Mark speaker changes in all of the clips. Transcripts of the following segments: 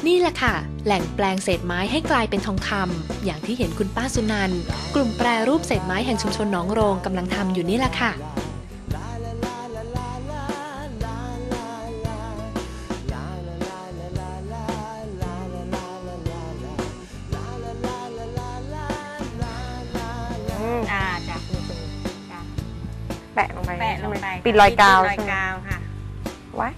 Speaker 1: นี่แหละค่ะ แหล่งแปลงเศษไม้ให้กลายเป็นทองคำอย่างที่เห็นคุณป้าสุนันท์กลุ่มแปรรูปเศษไม้แห่งชุมชนหนองโรงกำลังทำอยู่นี่แหละค่ะ
Speaker 2: จ้ะจ้ะ
Speaker 3: แปะลงไป
Speaker 2: แปะลงไป
Speaker 3: ปิดรอยกาว
Speaker 2: ปิดรอย
Speaker 3: ใช่ไหม
Speaker 2: กาวค่ะ
Speaker 3: ไว้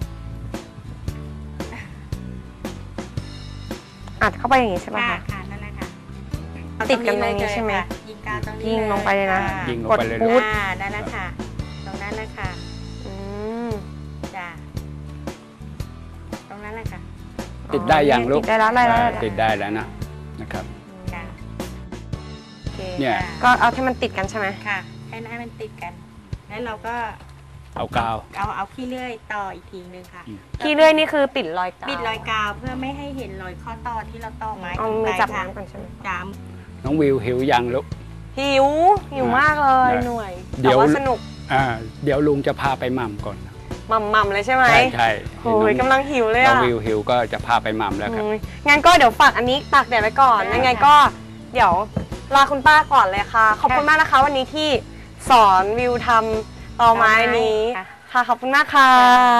Speaker 3: อัดเข้าไปอย่างงี้ใช่ไหม
Speaker 2: ค่ะ
Speaker 3: คะ
Speaker 2: ค่ะนั่นแหละค่ะ
Speaker 3: ติดกันตรงนี้ใช่ไหม
Speaker 2: ค่ะยิงกาวตรงนี้
Speaker 3: ยิงลงไปเลยนะ
Speaker 2: ค่
Speaker 4: ยิงลง
Speaker 3: กด
Speaker 4: ไปเลย
Speaker 3: ปุ๊
Speaker 4: ลู
Speaker 3: บ
Speaker 4: ก
Speaker 2: นั่นแหละค่ะ ตรงนั้นแหละค่ะ
Speaker 3: อืม
Speaker 2: จ้ะตรงนั้นแหละค่ะ
Speaker 4: ติดได้อย่างลูก
Speaker 3: ติดได้แล้วได้แล้ว
Speaker 4: ติดได้แล้วนะครับ
Speaker 2: ค่ะ
Speaker 3: โอเค
Speaker 4: เนี่ย
Speaker 3: ก็เอาให้มันติดกันใช่ไหม
Speaker 2: ค่ะให้มันติดกัน แล้วเราก็
Speaker 4: เอากาว
Speaker 2: เอาขี้เลื่อยต่ออีกทีนึงค่ะ
Speaker 3: ขี้เลื่อยนี่คือปิดรอยกาว
Speaker 2: ปิดรอยกาวเพื่อไม่ให้เห็นรอยข้อต่อที่เราต่อไม้
Speaker 3: เอามือจับน้ำก่อนใช่ไหม
Speaker 2: จ้าม
Speaker 4: น้องวิวหิวยังลูก
Speaker 3: หิวมากเลย
Speaker 4: ได้
Speaker 3: หน่วย
Speaker 4: เดี๋
Speaker 3: แต่
Speaker 4: ยว
Speaker 3: ว่าสนุก
Speaker 4: เดี๋ยวลุงจะพาไปหม่ำก่อน
Speaker 3: มัมๆเลยใช่ไหม
Speaker 4: ใช่
Speaker 3: โอ้ยกำลังหิวเลย
Speaker 4: น้อง
Speaker 3: อ่ะ
Speaker 4: วิวหิวก็จะพาไปหม่ำแล้วครับ
Speaker 3: โอ้ยงั้นก็เดี๋ยวฝากอันนี้ตากแดดไว้ก่อนยังไงก็เดี๋ยวลาคุณป้าก่อนเลยค่ะ ขอบคุณมากนะคะ วันนี้ที่สอนวิวทำตอไม้นี้ค่ะขอบคุณมากค่ะ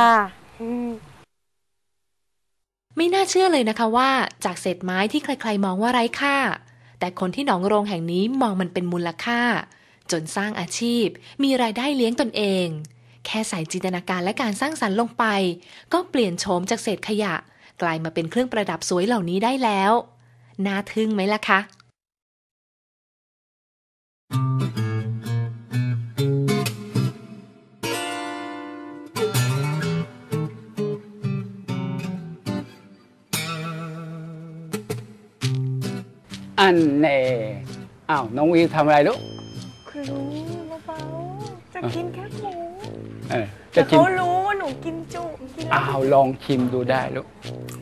Speaker 1: ไม่น่าเชื่อเลยนะคะว่าจากเศษไม้ที่ใครๆมองว่าไร้ค่า แต่คนที่หนองโรงแห่งนี้มองมันเป็นมูลค่า จนสร้างอาชีพมีรายได้เลี้ยงตนเอง แค่ใส่จินตนาการและการสร้างสรรค์ลงไป ก็เปลี่ยนโฉมจากเศษขยะ กลายมาเป็นเครื่องประดับสวยเหล่านี้ได้แล้วน่าทึ่งไหมล่ะคะ
Speaker 4: อันเน่อ้าวน้องวิวทำอะไรลูก
Speaker 3: คือรู้เบาๆจะกินแค่หมู
Speaker 4: เออ
Speaker 3: แต่
Speaker 4: จะชิม
Speaker 3: เขารู้ว่าหนูกินจุกินแล้ว
Speaker 4: อ้าวลองชิมดูได้ลูก